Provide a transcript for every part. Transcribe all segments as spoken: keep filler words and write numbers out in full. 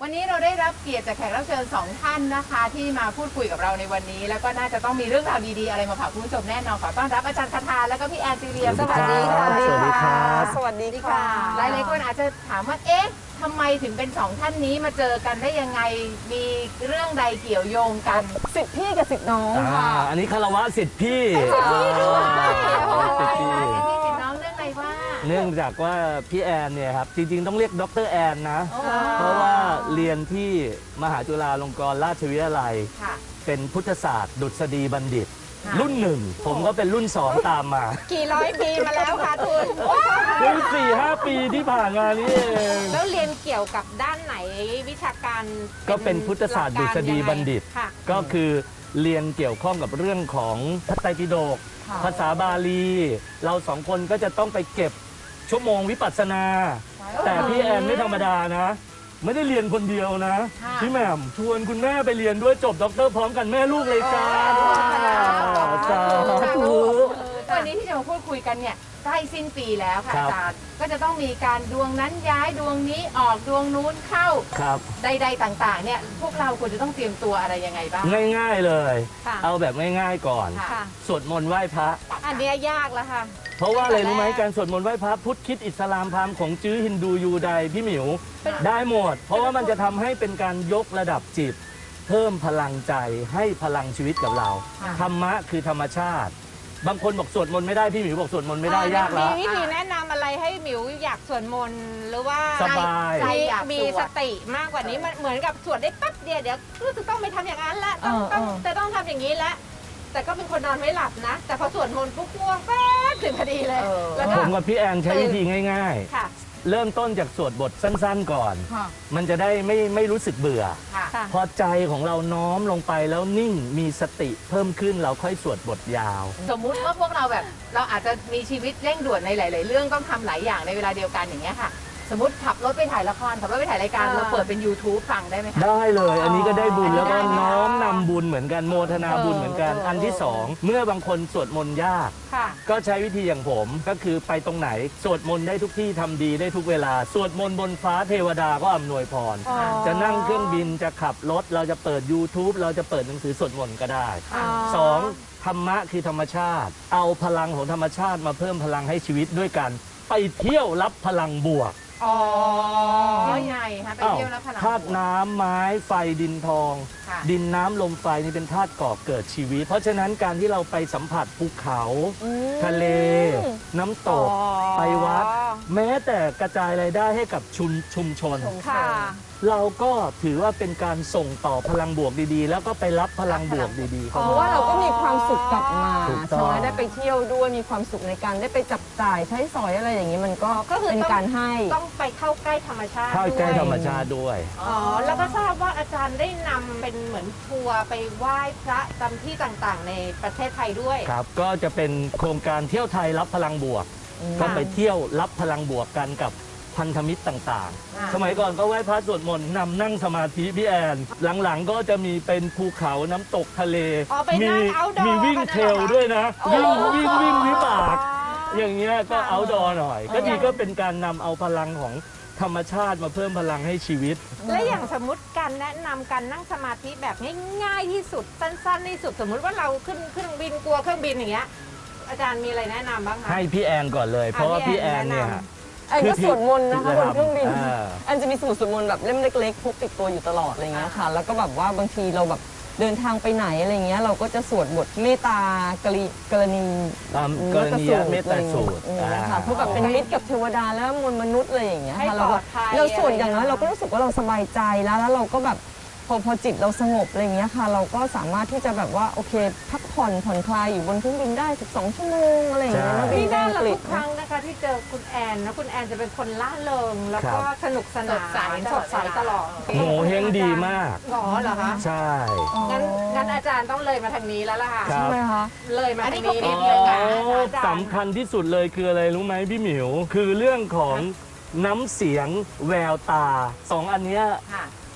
วันนี้เราได้รับเกียรติจากแขกรับเชิญสองท่านนะคะที่มาพูดคุยกับเราในวันนี้แล้วก็น่าจะต้องมีเรื่องราวดีๆอะไรมาฝากคุณผู้ชมแน่นอนขอต้อนรับอาจารย์คทาแล้วก็พี่แอนซีเรียสวัสดีค่ะสวัสดีครับสวัสดีค่ะหลายๆคนอาจจะถามว่าเอ๊ะทำไมถึงเป็นสองท่านนี้มาเจอกันได้ยังไงมีเรื่องใดเกี่ยวโยงกันสิทธิพี่กับสิทธิน้องอ่าค่ะอันนี้คารวะสิทธิ์พี่โอ้ยสิทธิ์พี่พี่ติดน้องเรื่องอะไรว่าเนื่องจากว่าพี่แอนเนี่ยครับจริงๆต้องเรียกดรแอนนะโอ้เพราะว่าเรียนที่มหาจุฬาลงกรณราชวิทยาลัยค่ะเป็นพุทธศาสตร์ ดุษฎีบัณฑิตค่ะรุ่นหนึ่งผมก็เป็นรุ่นสองตามมากี่ร้อยปีมาแล้วค่ะคุณเพิ่งสี่ห้าปีที่ผ่านมานี่เองแล้วเรียนเกี่ยวกับด้านไหนวิชาการก็เป็นพุทธศาสตร์ดุษฎีบัณฑิตค่ะก็คือเรียนเกี่ยวข้องกับเรื่องของพระไตรปิฎกค่ะภาษาบาลี เราสองคนก็จะต้องไปเก็บชั่วโมงวิปัสสนา แต่พี่แอนไม่ธรรมดานะ ไม่ได้เรียนคนเดียวนะค่ะพี่แหม่มชวนคุณแม่ไปเรียนด้วยจบด็อกเตอร์พร้อมกันแม่ลูกเลยจ้าสาธุวันนี้ที่จะมาพูดคุยกันเนี่ยใกล้สิ้นปีแล้วค่ะครัอาบจารย์ก็จะต้องมีการดวงนั้นย้ายดวงนี้ออกดวงนู้นเข้าครับใดๆต่างๆเนี่ยพวกเราควรจะต้องเตรียมตัวอะไรยังไงบ้างง่ายๆเลยค่ะเอาแบบง่ายๆก่อนค่ะค่ะสวดมนต์ไหว้พระอันเนี้ยยากแล้วค่ะเพราะว่าอะไรรู้ไหมตั้งแต่แรกการสวดมนต์ไหว้พระพุทธคริดอิสลามพราหมณ์ของจื้อฮินดูยูไดพี่หมิว ได้หมด เพราะว่ามันจะทำให้เป็นการยกระดับจิต เพิ่มพลังใจให้พลังชีวิตกับเราค่ะธรรมะคือธรรมชาติ บางคนบอกสวดมนต์ไม่ได้พี่หมิวบอกสวดมนต์ไม่ได้ยากแล้วมีวิธีแนะนำอะไรให้หมิวอยากสวดมนต์หรือว่าสบายใจมีอยากมีสวสดติมากกว่านี้มันเหมือนกับสวดได้แป๊บเดียวเดี๋ยวรู้สึกต้องไปทำอย่างนั้นละต้องต้องจะต้องทำอย่างนี้ละแต่ก็เป็นคนนอนไม่หลับนะ แต่พอสวดมนต์ปุ๊บง่วงแป๊บถึงพอดีเลยเออแล้วก็ผมกับพี่แอนใช้วิธีง่ายค่ะๆ เริ่มต้นจากสวดบทสั้นๆก่อนค่ะมันจะได้ไม่ไม่รู้สึกเบื่อค่ะค่ะพอใจของเราน้อมลงไปแล้วนิ่งมีสติเพิ่มขึ้นเราค่อยสวดบทยาวสมมุติว่าพวกเราแบบเราอาจจะมีชีวิตเร่งด่วนในหลาย ๆ เรื่องต้องทำหลายอย่างในเวลาเดียวกันอย่างเงี้ยค่ะ สมมติขับรถไปถ่ายละครขับรถไปถ่ายรายการอ่าเราเปิดเป็น YouTube ฟังได้ไหมคะได้เลยอันนี้ก็ได้บุญอ๋อแล้วก็ได้น้อมนำบุญเหมือนกันโมทนาบุญเหมือนกันเอออัอันที่สองเมื่อบางคนสวดมนต์ยากค่ะก็ใช้วิธีอย่างผมก็คือไปตรงไหนสวดมนต์ได้ทุกที่ทำดีได้ทุกเวลาสวดมนต์บนฟ้าเทวดาก็อำนวยพรอ๋อจะนั่งเครื่องบินจะขับรถเราจะเปิด YouTube เราจะเปิดหนังสือสวดมนต์ก็ได้อ๋อสองธรรมะคือธรรมชาติ เอาพลังของธรรมชาติมาเพิ่มพลังให้ชีวิตด้วยกันไปเที่ยวรับพลังบวกอ๋อยังไงคะไปเที่ยวแล้วพลังธาตุน้ำไม้ไฟดินทองค่ะดินน้ำลมไฟนี่เป็นธาตุก่อเกิดชีวิต เพราะฉะนั้นการที่เราไปสัมผัสภูเขาอืมทะเล น้ำตกอ๋อไปวัด แม้แต่กระจายรายได้ให้กับชุมชุมชนค่ะเราก็ถือว่าเป็นการส่งต่อพลังบวกดีๆ แล้วก็ไปรับพลังบวกดีๆอ๋เข้าอเพราะมาว่าเราก็มีความสุขกลับมาถูกต้องใช่ไหมได้ไปเที่ยวด้วยมีความสุขในการได้ไปจับจ่ายใช้สอยอะไรอย่างนี้มันก็ก็คือเป็นต้องการให้ต้องไปเข้าใกล้ธรรมชาติเข้าใกล้ด้วยธรรมชาติด้วยอ๋อ แล้วก็ทราบว่าอาจารย์ได้นำเป็นเหมือนทัวร์ไปไหว้พระตามที่ต่างๆ ในประเทศไทยด้วยครับ ก็จะเป็นโครงการเที่ยวไทยรับพลังบวก ก็ไปเที่ยวรับพลังบวกกันกับพันธมิตรต่างอ่าๆ สมัยก่อนก็ไหว้พระสวดมนต์นำนั่งสมาธิพี่แอน หลังๆก็จะมีเป็นภูเขาน้ำตกทะเลอ๋อไปมีนั่ง outdoor มีวิ่งกันน่ะเทรลเหรอคะด้วยนะโอ้วิ่งวิ่งวิ่งวิบากอ๋ออย่างเงี้ยก็ค่ะเอาดอหน่อย ก็อ๋อดีก็เป็นการนำเอาพลังของธรรมชาติมาเพิ่มพลังให้ชีวิตและอย่างสมมติการแนะนำการนั่งสมาธิแบบง่ายๆที่สุดสั้นๆที่สุดสมมุติว่าเราขึ้นเครื่องบินกลัวเครื่องบินอย่างเงี้ยอาจารย์มีอะไรแนะนำบ้างคะให้พี่แอนก่อนเลย เพราะว่าพี่แอนเนี่ยแนะนไอ้ก็สวดมนต์นะคะบนเครื่องบินอ่าอันจะมีสมุดสวดมนต์แบบเล่มเล็กๆพกติดตัวอยู่ตลอดอะไรเงี้ยค่ะ แล้วก็แบบว่าบางทีเราแบบเดินทางไปไหนอะไรเงี้ยเราก็จะสวดบทเมตตากรณีกรณีตามกรณียเมตตาสูตรอะไรอย่างเงี้ยค่ะเพราะแบบเป็นมิตรกับเทวดาแล้วมวลมนุษย์อะไรอย่างเงี้ยให้ค่ะปเราลแบอบ ดภัยเราสวดอย่างน้อยะไเราก็รู้สึกว่าเราสบายใจแล้วแล้วเราก็แบบพอพอจิตเราสงบอะไรอย่างเงี้ยค่ะ เราก็สามารถที่จะแบบว่าโอเค พักผ่อนผ่อนคลายอยู่บนเครื่องบินได้สิบสองชั่วโมงอะไรอย่างเงี้ยใช่นะบินี่นไปน่าอังละกฤทุษกครั้งนะคะที่เจอคุณแอนนะคุณแอนจะเป็นคนล่าเริงแล้วก็ครับสนุกสนานสดใสสดใสตลอดโหเฮงดีมากหรอเหรอคะใช่งั้นงั้นอาจารย์ต้องเลยมาทางนี้แล้วล่ะค่ะครัใช่บไหมคะเลยมาอันทานี้งก็นี้เปรีนิยดบนึงเลยนะนะอาจารย์สำคัญที่สุดเลยคืออะไรรู้ไหมพี่หมิว คือเรื่องของน้ำเสียงแววตาสองอันเนี้ยค่ะ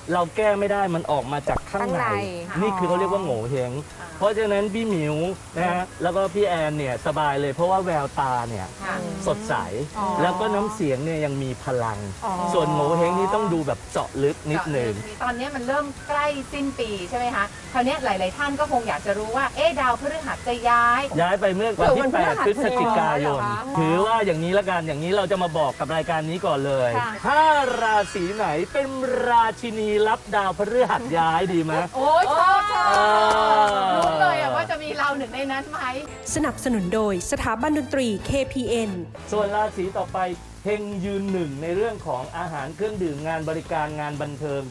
เราแก้ไม่ได้มันออกมาจากข้างในข้างในนี่คือเขาเรียกว่าโง่เฮงเพราะฉะนั้นพี่หมิวนะฮะแล้วก็พี่แอนเนี่ยสบายเลยเพราะว่าแววตาเนี่ยค่ะสดใสอ๋อแล้วก็น้ำเสียงเนี่ยยังมีพลังอ๋อส่วนโง่เฮงนี่ต้องดูแบบเจาะลึกนิดหนึ่งตอนนี้มันเริ่มใกล้สิ้นปีใช่ไหมคะคราวนี้หลาย ๆ ท่านก็คงอยากจะรู้ว่าเอ๊ะดาวพฤหัสจะย้ายย้ายไปเมื่อวันที่วันพฤแปหัดสพฤศจิกายนเหรอคะถือว่าอย่างนี้ละกันอย่างนี้เราจะมาบอกกับรายการนี้ก่อนเลยค่ะถ้าราศีไหนเป็นราชินีรับดาวพฤหัสย้ายดีไหมโอ้ยชอบชอบเออรู้เลยอะว่าจะมีเราหนึ่งในนั้นไหมสนับสนุนโดยสถาบันดนตรี เค พี เอ็นส่วนราศีต่อไปเฮงยืนหนึ่งในเรื่องของอาหารเครื่องดื่มงานบริการงานบันเทิง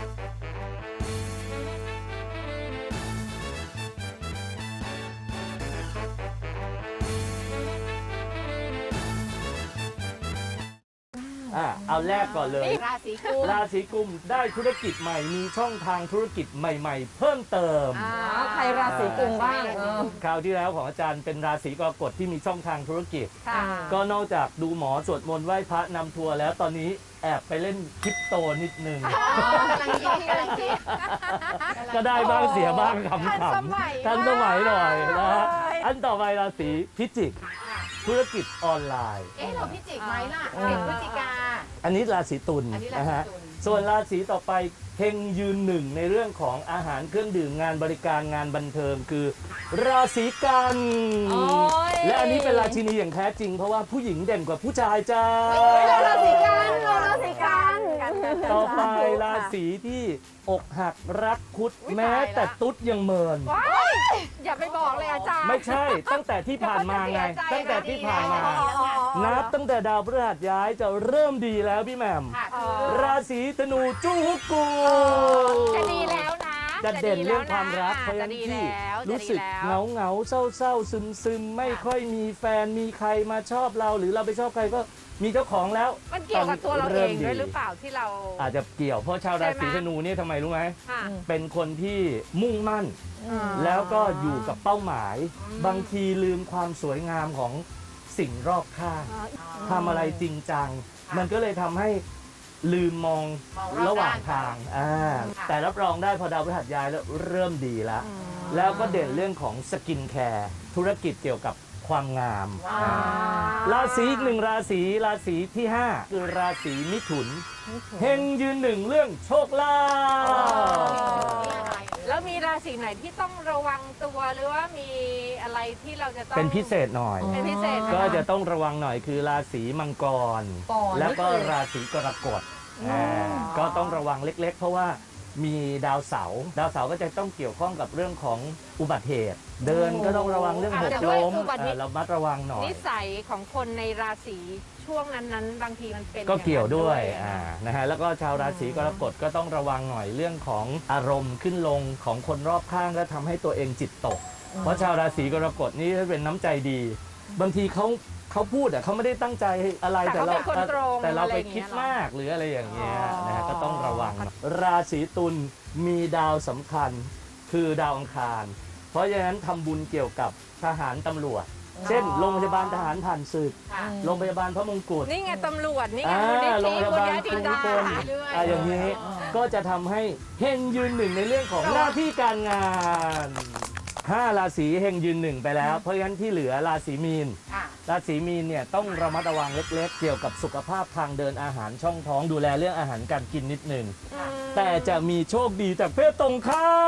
อ่ะเอาแรกก่อนเลยราศีกุมราศีกุมได้ธุรกิจใหม่มีช่องทางธุรกิจใหม่ ๆ เพิ่มเติมอ่าอ๋อใครราศีกุมบ้างเออคราวที่แล้วของอาจารย์เป็นราศีกรกฎที่มีช่องทางธุรกิจค่ะก็นอกจากดูหมอสวดมนต์ไหว้พระนำทัวร์แล้วตอนนี้แอบไปเล่นคริปโตนิดนึงอ๋อกำลังคิดกำลังคิดก็ได้บ้างเสียบ้างขำทันสมัยๆทันสมัยหน่อยนะฮะเลยอันต่อไปราศีพิจิก ธุรกิจออนไลน์เอ๊ะเราพิจิกไหมล่ะสิบพฤศจิกาอันนี้ราศีตุลอันนี้ราศีตุลนะฮะส่วนราศีต่อไปเฮงยืนหนึ่งในเรื่องของอาหารเครื่องดื่มงานบริการงานบันเทิงคือ ราศีกันโอ้ยและอันนี้เป็นราชินีอย่างแท้จริง เพราะว่าผู้หญิงเด่นกว่าผู้ชายจ้าเราราศีกันเราราศีกันต่อไปราศีที่อกหักรักคุดแม้แต่ตุ๊ดยังเมินว้ายอย่าไปบอกเลยอาจารย์ไม่ใช่ตั้งแต่ที่ผ่านมาไงเดี๋ยวเขาจะเสียใจตั้งแต่ที่ผ่านมาอ๋ออ๋ออ๋อนับตั้งแต่ดาวพฤหัสย้ายจะเริ่มดีแล้วพี่แหม่มค่ะอ๋คืออราศีธนูจูฮุกูจะดีแล้วนะจะเด่นเรื่องความรักเพราะฉะจะนั้นดีที่แล้วรู้สึกจะดีเหแล้งาว เหงาเศร้าเศร้าซึมซึมไม่ค่อยมีแฟนมีใครมาชอบเรา หรือเราไปชอบใครก็มีเจ้าของแล้วมันเกี่ยวกับตัวเราเองด้วยหรือเปล่าที่เราอาจจะเกี่ยวเพราะชาวราศีธนูเนี่ยทำไมรู้ไหมค่ะเป็นคนที่มุ่งมั่นอ๋อแล้วก็อยู่กับเป้าหมาย บางทีลืมความสวยงามของสิ่งรอบข้างทำอะไรจริงจัง มันก็เลยทำให้ลืมมองมองรอบระหว่างด้านทางอ่าค่ะแต่รับรองได้พอดาวพฤหัสย้ายแล้วเริ่มดีแล้ว แล้วก็เด่นเรื่องของสกินแคร์ธุรกิจเกี่ยวกับความงามว้าวอ่าราศีอีกหนึ่งราศีราศีที่ห้าคือราศีมิถุนเฮงยืนหนึ่งเรื่องโชคลาภแล้วมีราศีไหนที่ต้องระวังตัวหรือว่ามีอะไรที่เราจะต้องเป็นพิเศษหน่อยเป็นพิเศษไหมก็จะต้องระวังหน่อยคือราศีมังกรก่อนแล้วก็นี่คือราศีกรกฎอ่าก็ต้องระวังเล็ก ๆ เพราะว่ามีดาวเสาร์ดาวเสาร์ก็จะต้องเกี่ยวข้องกับเรื่องของอุบัติเหตุ เดินก็ต้องระวังเรื่องหกล้มเอ่อเรามัดระวังหน่อยนิสัยของคนในราศีช่วงนั้นๆ บางทีมันเป็นก็เกี่ยวด้วยอางนั้นอ่านะฮะแล้วก็ชาวราศีกรกฎก็ต้องระวังหน่อยเรื่องของอารมณ์ขึ้นลงของคนรอบข้างก็ทำให้ตัวเองจิตตก เพราะชาวราศีกรกฎนี่เป็นน้ำใจดี บางทีเขาเขาพูดอ่ะเขาไม่ได้ตั้งใจอะไรแต่เขาเป็นคนตรงแต่เราไปอะไรอย่างเงี้ยคิดมากหรืออะไรอย่างเงี้ยอ๋อนะฮะก็ต้องระวัง ราศีตุลมีดาวสำคัญคือดาวอังคาร เพราะฉะนั้นทำบุญเกี่ยวกับทหารตำรวจ เช่นโรงพยาบาลทหารผ่านศึกค่ะโรงพยาบาลพระมงกุฎนี่ไงตำรวจนี่ไงอ่ามูลนิโรงธิพยาบุญบาลญาจินดาภูมิพลเรื่อยๆอ่าอย่างนี้ก็จะทำให้เฮงยืนหนึ่งในเรื่องของหน้าที่การงานห้าราศีเฮงยืนหนึ่งไปแล้ว เพราะฉะนั้นที่เหลือราศีมีนค่ะราศีมีนเนี่ยต้องระมัดระวังเล็ก ๆ เกี่ยวกับสุขภาพทางเดินอาหารช่องท้องดูแลเรื่องอาหารการกินนิดหนึ่งอืมแต่จะมีโชคดีจากเพศตรงข้าม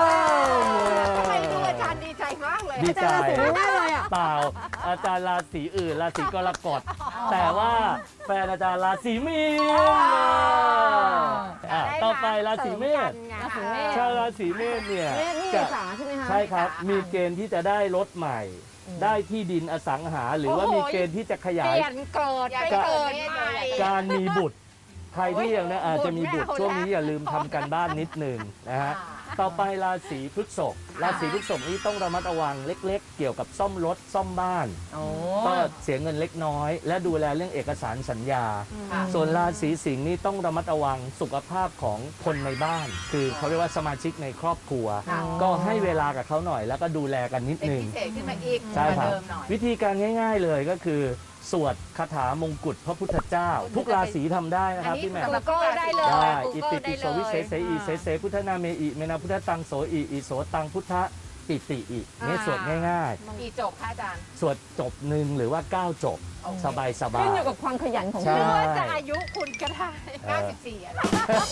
ทำไมดูอาจารย์ดีใจมากเลยดีใจไม่ได้เลยอ่ะเปล่าอาจารย์ราศีอื่นราศีกรกฎแต่ว่าแฟนอาจารย์ราศีมีนอ่ะต่อไปราศีเมษราศีเมษชาวราศีเมษเนี่ยเนี่ยนี่เมจะษาใช่ไหมคะใช่ครับ มีเกณฑ์ที่จะได้รถใหม่ ได้ที่ดินอสังหา หรือว่าโอ้โหมีเกณฑ์ที่จะขเปยายลี่ยนเกิดไปเกิดใหม่การมีบุตร ใครที่ยังนะอาจจะมีบุตรบุตรไม่เอาช่วงนี้แล้วอย่าลืมทำกันบ้านนิดหนึ่งนะฮะ ต่อไปราศีพฤษภราศีพฤษภนี้ต้องระมัดระวังเล็ก ๆ เกี่ยวกับซ่อมรถซ่อมบ้านโอ้ก็เสียเงินเล็กน้อย และดูแลเรื่องเอกสารสัญญาค่ะส่วนราศีสิงห์นี่ต้องระมัดระวังสุขภาพของคนในบ้าน คือเขาเรียกว่าสมาชิกในครอบครัวค่ะก็ให้เวลากับเขาหน่อย แล้วก็ดูแลกันนิดเป็นนึงพิเศษขึ้นมาอีกใช่กว่าครับเดิมหน่อยวิธีการง่าย ๆเลยก็คือสวดคาถามงกุฎพระพุทธเจ้า ทุกราศีทำได้นะครับพี่แหม่ม Google ได้เลยได้ Google อิติปิโสวิเศษเสอีอ่าเสเสพุทธนาเมอิเมนาพุทธตังโสอิอิโสตังพุทธปิติอิเนี่ยสวดง่ายกี่จบคะอาจารย์ๆ สวดจบหนึ่งหรือว่าเก้าจบโอเคสบายสบาขึ้นยอยู่กับความขยันของใช่คุณหรือว่าจะอายุคุณก็ได้เก้าสิบสี่อะไร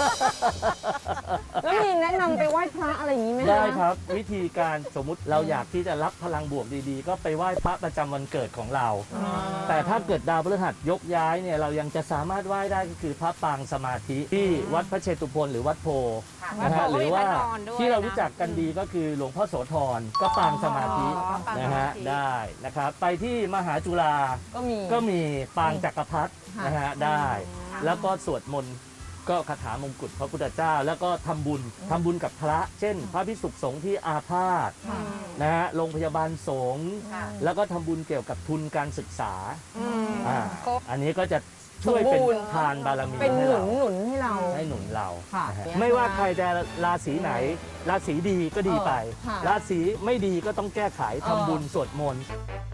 แล้วมีแนะนำไปไหว้พระอะไรอย่างนี้ไหมคะได้ครับวิธีการสมมุติเราอยากที่จะรับพลังบวกดีๆ ก็ไปไหว้พระประจำวันเกิดของเรา แต่ถ้าเกิดดาวพฤหัสยกย้ายเนี่ยเรายังจะสามารถไหว้ได้ก็คือพระปางสมาธิที่วัดพระเชตุพนหรือวัดโพค่ะนะฮะวัดโพหรือว่ามีพระนอนด้วยที่เรานะรู้จักกันดีก็คือหลวงพ่อโสธรก็ปางสมาธิอ๋อปางสมาธินะฮะได้นะครับไปที่มหาจุฬาก็มีก็มีปางจักรพรรดิค่ะนะฮะได้ค่ะแล้วก็สวดมนต์ก็คาถามงกุฎพระพุทธเจ้า แล้วก็ทำบุญทำบุญกับพระ เช่น พระภิกษุสงฆ์ที่อาพาธค่ะนะฮะโรงพยาบาลสงฆ์ค่ะแล้วก็ทำบุญเกี่ยวกับทุนการศึกษาอืมอ่าครบอันนี้ก็จะช่วยเป็นสมบูรณ์ทานบารมีเป็นให้หนุเรานหนุนให้เราให้หนุนเราค่ะนะฮะไม่ว่าใครจะราศีไหน ราศีดีก็ดีไปเออค่ะราศีไม่ดีก็ต้องแก้ไขทำบุญสวดมนต์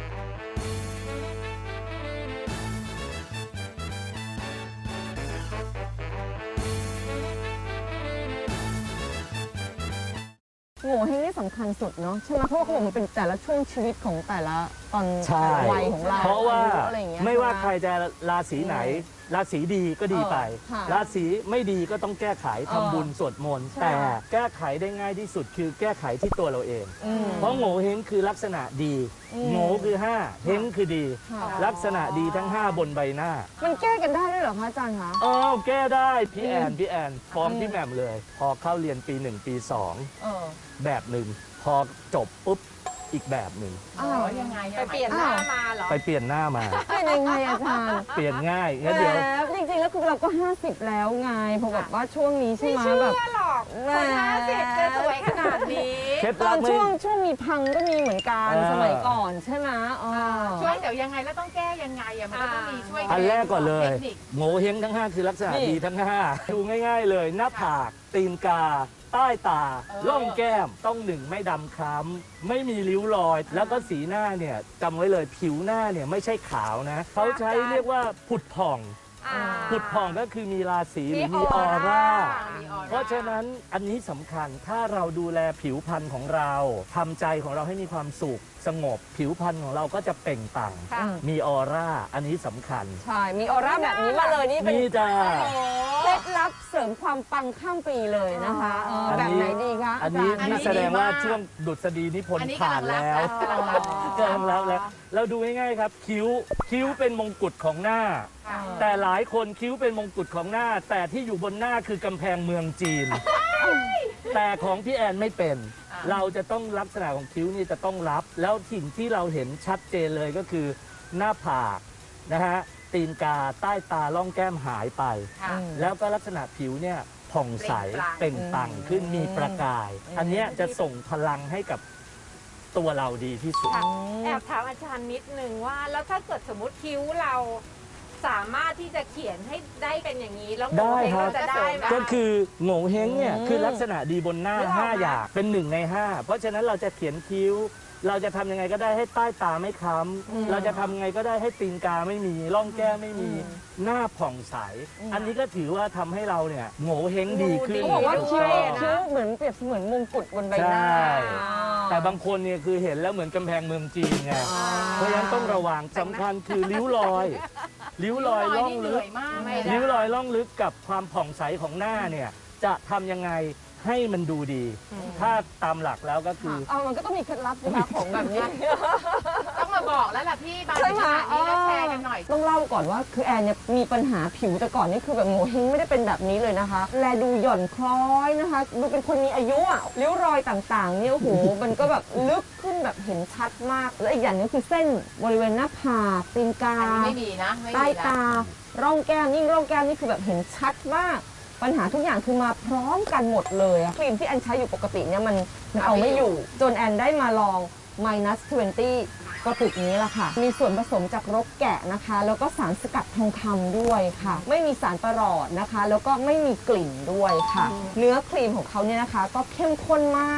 โง่เฮงนี่สำคัญสุดเนาะใช่ไหมเพราะว่าเขาบอกมันเป็นแต่ละช่วงชีวิตของแต่ละตอนใช่แต่ละวัยของเราเพราะว่าอยุอะไรอย่งเงี้ยไม่ว่าช่หใครจะราศีไหน ราศีดีก็ดีไปเออค่ะราศีไม่ดีก็ต้องแก้ไขทำบุญสวดมนต์ใช่แต่แก้ไขได้ง่ายที่สุดคือแก้ไขที่ตัวเราเองอืมเพราะโง่เฮงคือลักษณะดีอืมโง่คือห้าเฮงคือดีค่ะลักษณะดีทั้งห้าบนใบหน้ามันแก้กันได้ด้วยเหรอคะอาจารย์คะอ้าวแก้ได้พี่แอนอืมพี่แอนฟ้องอืมพี่แหม่มเลย พอเข้าเรียนปีหนึ่งปีสองเออแบบหนึ่งพอจบปุ๊บอีกแบบหนึ่งอ้าวยังไงไปเปลี่ยนหน้ามาเหรอไปเปลี่ยนหน้ามาเป็นยังไงอาจารย์เปลี่ยนง่ายงั้นเดี๋ยวแล้วจริงๆแล้วคือเราก็ห้าสิบแล้วไงเพราะแบบว่าช่วงนี้ใช่ไม่ไหมเชื่แบบอหรอกแหมคนห้าสิบจะสวยขนาดนี้เคล็ดตลัอบ นไม่ช่วงช่วงมีพังก็มีเหมือนกันเออสมัยก่อนใช่ไหมอ๋อช่วยเดี๋ยวยังไงแล้วต้องแก้ยังไงอะมันก็ต้องมีช่วยอันแรกก่อนเลยทคนิคโง่เฮงทั้งห้าคือลักษณะนี่ดีทั้งห้าดูง่ายๆเลย หน้าผากตีนกา ใต้ตาเออร่องแก้มต้องหนึ่งไม่ดำคล้ำไม่มีริ้วรอย แล้วก็สีหน้าเนี่ยจำไว้เลยผิวหน้าเนี่ยไม่ใช่ขาวนะเขาใช้เรียกว่าผุดผ่องอ่าผุดผ่องก็คือมีราศีหรือมีมีออออร่าร่ามีออร่าเพราะฉะนั้นอันนี้สำคัญถ้าเราดูแลผิวพรรณของเราทำใจของเราให้มีความสุขสงบ ผิวพรรณของเราก็จะเปล่งปลั่งค่ะมีออร่า อันนี้สำคัญใช่ มีออร่าแบบนี้มาเลยนี่เป็นนี่จ้าเคล็ดลับเสริมความปังข้ามปีเลยนะคะเอออันแบบนี้ไหนดีคะอันนี้าจารย์นี่แสดงว่าช่วงดุษฎีนิพนอันธ์นี้ผ่านกำลังแล้วรับกำลังรับกำลังรับแล้ว เราดูง่ายๆครับ คิ้วคิ้วเป็นมงกุฎของหน้าค่ะแต่หลายคนคิ้วเป็นมงกุฎของหน้า แต่ที่อยู่บนหน้าคือกำแพงเมืองจีน แต่ของพี่แอนไม่เป็นอ่าเราจะต้องลักษณะของคิ้วนี่จะต้องรับ แล้วสิ่งที่เราเห็นชัดเจนเลยก็คือหน้าผากนะฮะตีนกาใต้ตาล่องแก้มหายไปค่ะแล้วก็ลักษณะผิวเนี่ยผ่องใสเปล่งปลั่งเปล่งปลั่งขึ้นมีประกาย อันเนี้ยจะส่งพลังให้กับตัวเราดีที่สุดค่ะแอบถามอาจารย์นิดนึงว่า แล้วถ้าเกิดสมมติคิ้วเราสามารถที่จะเขียนให้ได้เป็นอย่างนี้ แล้วโงได้เฮงครับเราจะได้ไหมก็คือโง่เฮงเนี่ยอืมคือลักษณะดีบนหน้านึกออกห้าไหมอย่างเป็นหนึ่งในห้าเพราะฉะนั้นเราจะเขียนคิ้ว เราจะทำยังไงก็ได้ให้ใต้ตาไม่ค้ำเราจะทำยังไงก็ได้ให้ตีนกาไม่มีร่องแก้มไม่มี หน้าผ่องใส อันนี้ก็ถือว่าทำให้เราเนี่ยโง่เฮงดีขึ้นเขาบอกว่าดูคิ้วดีนะคิ้วเหมือนเปรียบเสมือนมงกุฎบนใบหน้าใช่อ่าแต่บางคนเนี่ยคือเห็นแล้วเหมือนกำแพงเมืองจีนไงอ่าเพราะฉะนั้นต้องระวังสำคัญคือริ้วรอย ริ้วรอยล่องนี่เหลึนื่กอยมากเลริ้วรนะอยล่องลึกกับความผ่องใสของหน้าเนี่ยจะทำยังไงให้มันดูดี ถ้าตามหลักแล้วก็คือเอามันก็ต้องมีเคล็ดลับนะคะของแบบนี้ต้องมาบอกแล้วล่ะพี่บางใช่ทีไหมขนาดนี้ก็แชร์กันหน่อยต้องเล่าก่อนว่าคือแอนเนี่ยมีปัญหาผิวแต่ก่อนนี่คือแบบโงเฮงไม่ได้เป็นแบบนี้เลยนะคะ แลดูหย่อนคล้อยนะคะดูเป็นคนมีอายุอ่ะริ้วรอยต่างๆเนี่ยโอ้โห มันก็แบบลึกขึ้นแบบเห็นชัดมาก และอีกอย่างหนึงคือเส้นบริเวณหน้าผากตีนกาอันนี้ไม่มีนะไม่ใต้มีนะตา ร่องแก้มยิ่งร่องแก้มนี่คือแบบเห็นชัดมาก ปัญหาทุกอย่างคือมาพร้อมกันหมดเลยอะครีมที่แอนใช้อยู่ปกติเนี่ยมันมันเอาไม่อยู่ จนแอนได้มาลอง minus ยี่สิบ กระปุกนี้แหละค่ะ มีส่วนผสมจากรกแกะนะคะ แล้วก็สารสกัดทองคำด้วยค่ะ ไม่มีสารประหลอดนะคะ แล้วก็ไม่มีกลิ่นด้วยค่ะ เนื้อครีมของเขาเนี่ยนะคะ ก็เข้มข้นมาก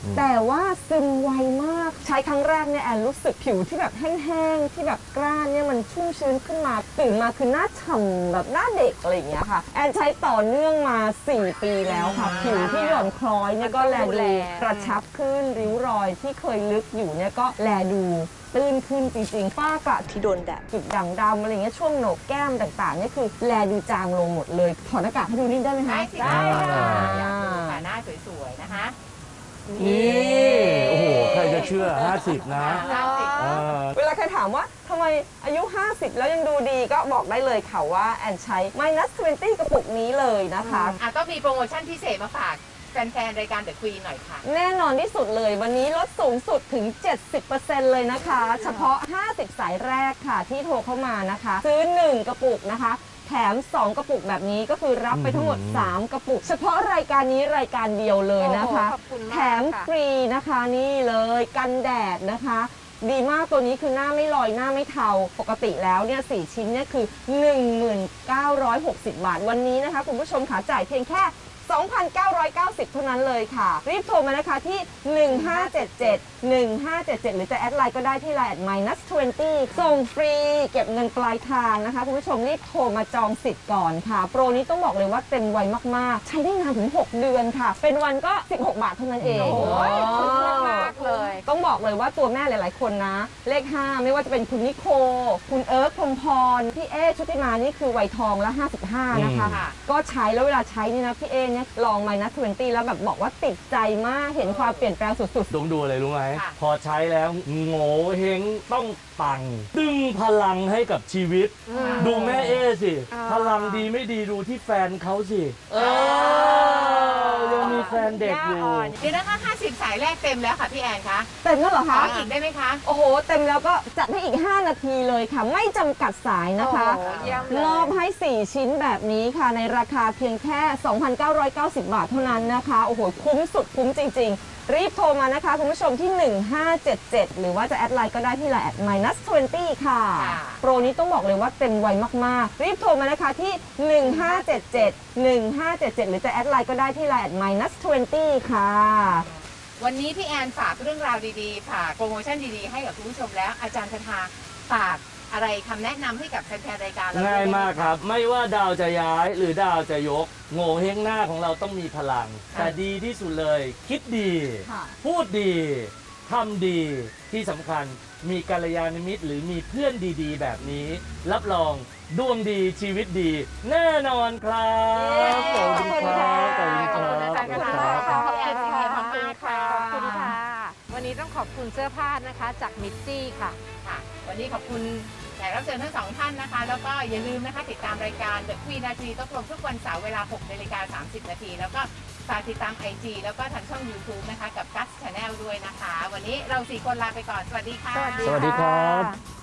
อืมแต่ว่าซึมไวมากใช้ครั้งแรกเนี่ยแอนรู้สึกผิวที่แบบแห้งๆที่แบบกร้านเนี่ยมันชุ่มชื้นขึ้นมาตื่นมาคือหน้าฉ่ำแบบหน้าเด็กอะไรอย่างเงี้ยค่ะแอนใช้ต่อเนื่องมาสี่ปีแล้วค่ะผิวที่หย่อนคล้อยเนี่ยก็แลดูกระชับขึ้นริ้วรอยที่เคยลึกอยู่เนี่ยก็แลดูตื้นขึ้นจริงๆฝ้ากระที่โดนแดดจุดด่างดำอะไรเงี้ยช่วงโหนกแก้มต่างๆเนี่ยคือแลดูจางลงหมดเลยถอดหน้ากากให้ดูนิดได้ไหมคะได้สิได้ค่ะอยากดูค่ะหน้าสวยๆนะคะนี่โอ้โหใครจะเชื่อ ห้าสิบ นะห้าสิบเออเวลาใครถามว่าทำไมอายุ ห้าสิบ แล้วยังดูดีก็บอกได้เลยค่ะว่าแอนใช้ minus ยี่สิบ กระปุกนี้เลยนะคะอ่ะก็มีโปรโมชั่นพิเศษมาฝากแฟนๆรายการ The Queen หน่อยค่ะแน่นอนที่สุดเลยวันนี้ลดสูงสุดถึง เจ็ดสิบเปอร์เซ็นต์ เลยนะคะ เฉพาะ ห้าสิบ สายแรกค่ะที่โทรเข้ามานะคะ ซื้อ หนึ่ง กระปุกนะคะ แถม สอง กระปุกแบบนี้ก็คือรับไปทั้งหมดอืมสาม กระปุก เฉพาะรายการนี้รายการเดียวเลยนะคะโอ้โหขอบคุณมากแถมค่ะฟรีนะคะนี่เลยกันแดดนะคะ ดีมากตัวนี้คือหน้าไม่ลอยหน้าไม่เทาปกติแล้วเนี่ยสี่ชิ้นเนี่ยคือ หนึ่งหมื่นเก้าร้อยหกสิบ บาทวันนี้นะคะคุณผู้ชมขาจ่ายเพียงแค่ สองพันเก้าร้อยเก้าสิบ เท่านั้นเลยค่ะ รีบโทรมานะคะที่ หนึ่งห้าเจ็ดเจ็ด หนึ่งห้าเจ็ดเจ็ด หรือจะแอดไลน์ก็ได้ที่ไลน์ at minus ยี่สิบ ส่งฟรีเก็บเงินปลายทางนะคะ คุณผู้ชมรีบโทรมาจองสิทธิ์ก่อนค่ะ โปรนี้ต้องบอกเลยว่าเต็มไวมากๆ ใช้ได้นานถึง หก เดือนค่ะ เป็นวันก็ สิบหก บาทเท่านั้นเองโอ้ยคุ้มมากๆเลยต้องบอกเลยว่าตัวแม่หลาย ๆ คนนะ เลข ห้า ไม่ว่าจะเป็นคุณนิโค คุณเอิร์ธพรหมพร พี่เอชุติมานี่คือวัยทองแล้ว ห้าสิบห้า นะคะอืมก็ใช้แล้วเวลาใช้นี่นะพี่เอเนี่ยลอง minus ยี่สิบ แล้วแบบบอกว่าติดใจมากเห็นความเปลี่ยนแปลงสุดดมดูอะไรรู้ไหมค่ะพอใช้แล้วโง่เฮงต้องปัง ดึงพลังให้กับชีวิต ดูแม่เอสิอ่าพลังดีไม่ดีดูที่แฟนเขาสิ เออยังมีแฟนเด็กอยู่เดี๋ยวนะคะห้าสิบสายแรกเต็มแล้วค่ะพี่แอนคะๆ เต็มแล้วเหรอขอคะอีกได้ไหมคะโอ้โห เต็มแล้วก็จัดให้อีก ห้า นาทีเลยค่ะ ไม่จำกัดสายนะคะโอ้โหเยี่ยมเลยมอบให้ สี่ ชิ้นแบบนี้ค่ะ ในราคาเพียงแค่ สองพันเก้าร้อยเก้าสิบ บาทเท่านั้นนะคะ โอ้โห คุ้มสุดคุ้มจริง ๆ รีบโทรมานะคะ คุณผู้ชมที่ หนึ่งห้าเจ็ดเจ็ด หรือว่าจะแอดไลน์ก็ได้ที่ไลน์ at minus ยี่สิบ ค่ะค่ะโปรนี้ต้องบอกเลยว่าเต็มไวมากๆ รีบโทรมานะคะที่ หนึ่งห้าเจ็ดเจ็ด หนึ่งห้าเจ็ดเจ็ด หรือจะแอดไลน์ก็ได้ที่ไลน์ at minus ยี่สิบ ค่ะวันนี้พี่แอนฝากเรื่องราวดีๆฝากโปรโมชั่นดีๆให้กับคุณผู้ชมแล้วอาจารย์คทาฝากอะไรคำแนะนำให้กับแฟนๆรายการเราง่ายด้วมากครับ ไม่ว่าดาวจะย้ายหรือดาวจะยก โง่เฮงหน้าของเราต้องมีพลัง แต่ดีที่สุดเลย คิดดีค่ะพูดดีทำดีที่สำคัญมีกัลยาณมิตรหรือมีเพื่อนดีๆ แบบนี้ รับรองดวงดีชีวิตดี แน่นอนครับขอบคุณครับขอบคุณขอบคุณอาคจารย์ครับทาขอบคุณพี่แอนซีเรียมากๆค่ะขอบคุณค่ะ วันนี้ต้องขอบคุณเสื้อผ้านะคะจากมิตซี่ค่ะค่ะ วันนี้ขอบคุณแขกรับเชิญทั้งสองท่านนะคะ แล้วก็อย่าลืมนะคะติดตามรายการ The Queen นาทีต้องลงทุกวันเสาร์เวลาหกนาฬิกาสามสิบนาทีแล้วก็ฝากติดตาม ไอ จี แล้วก็ทางช่อง YouTube นะคะกับ Gus Channel ด้วยนะคะ วันนี้เราสี่คนลาไปก่อน สวัสดีค่ะสวัสดีสวัสดีครับค่ะ